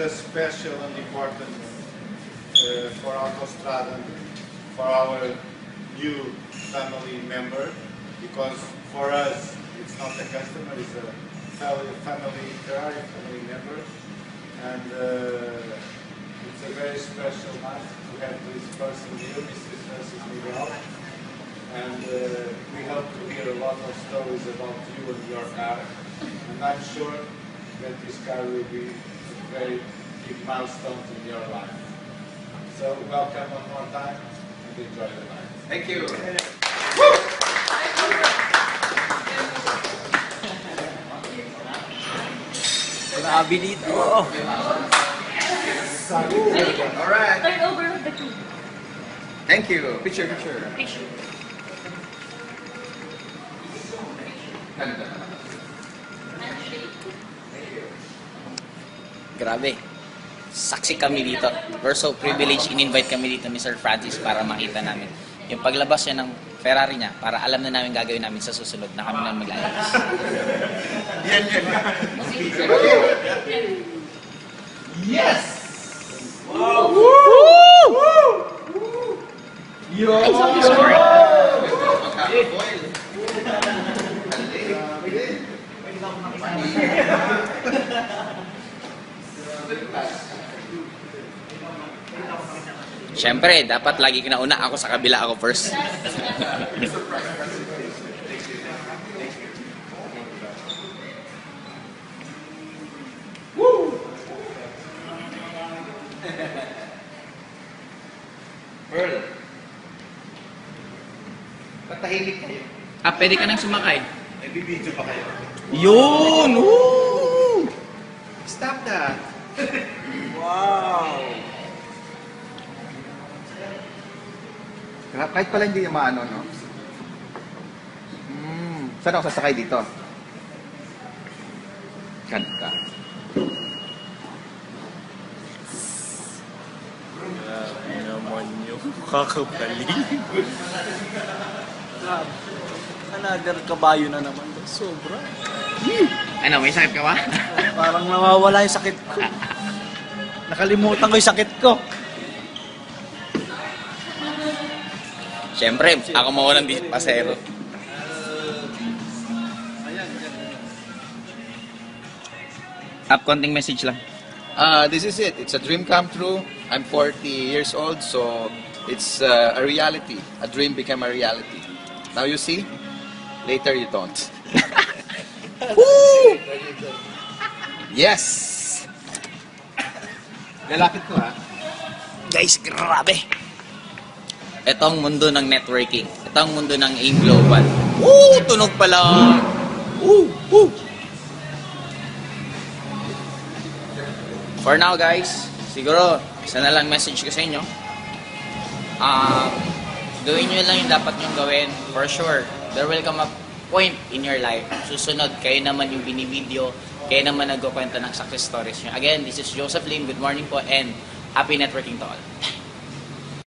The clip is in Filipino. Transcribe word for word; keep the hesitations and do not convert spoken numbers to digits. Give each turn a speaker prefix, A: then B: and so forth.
A: a special and important uh, for Autostrada, for our new family member, because for us it's not a customer, it's a family, Ferrari family member, and uh, it's a very special night to have this person here, Mister Francis Miguel, and uh, we hope to hear a lot of stories about you and your car, and I'm sure that this car will be a very big milestone in your life. So welcome one more time and enjoy the night.
B: Thank you.
C: Grabe dito.
B: Alright.
D: Turn over the key.
B: Thank you. Picture, picture.
D: Picture.
C: Grabe. Saksi kami dito. We're so privileged. In-invite kami dito, Mister Francis, para makita namin yung paglabas niya ng Ferrari niya, para alam na namin gagawin namin sa susunod na kami na mag-ayos.
B: Yan, yan. Yes! Wow!
C: Woo!
B: Yo!
C: Siyempre, dapat lagi kinauna ako sa kabila, ako first.
B: Woo! Pearl. Patahimik kayo.
C: Ah, pwede ka nang sumakay.
B: May bibidyo pa kayo.
C: Yun! Woo!
B: Stop that.
E: Wow!
B: Kahit pala hindi yung maano, no? Hmm. Saan ako sasakay dito? Kanta.
E: Grabe naman yung kakabali. Grabe. Another kabayo na naman. Sobra.
C: Ano, may sakit ka ba?
E: Parang nawawala yung sakit ko. Nakalimutan ko yung sakit ko.
C: Siyempre, ako mawalan di pasero. Up, konting message lang.
B: Uh, this is it. It's a dream come true. I'm forty years old, so it's uh, a reality. A dream became a reality. Now you see, later you don't. Woo! Yes! Lalapit ko, ha?
C: Guys, grabe! Ito ang mundo ng networking. Ito ang mundo ng AIM Global. Woo! Tunog pala! Woo! Woo! For now, guys, siguro, isa na lang message ko sa inyo. Um, gawin nyo lang yung dapat nyo gawin. For sure, there will come a point in your life. Susunod, kayo naman yung binibideo, kayo naman nagkukwento ng success stories nyo. Again, this is Joseph Lim. Good morning po and happy networking to all.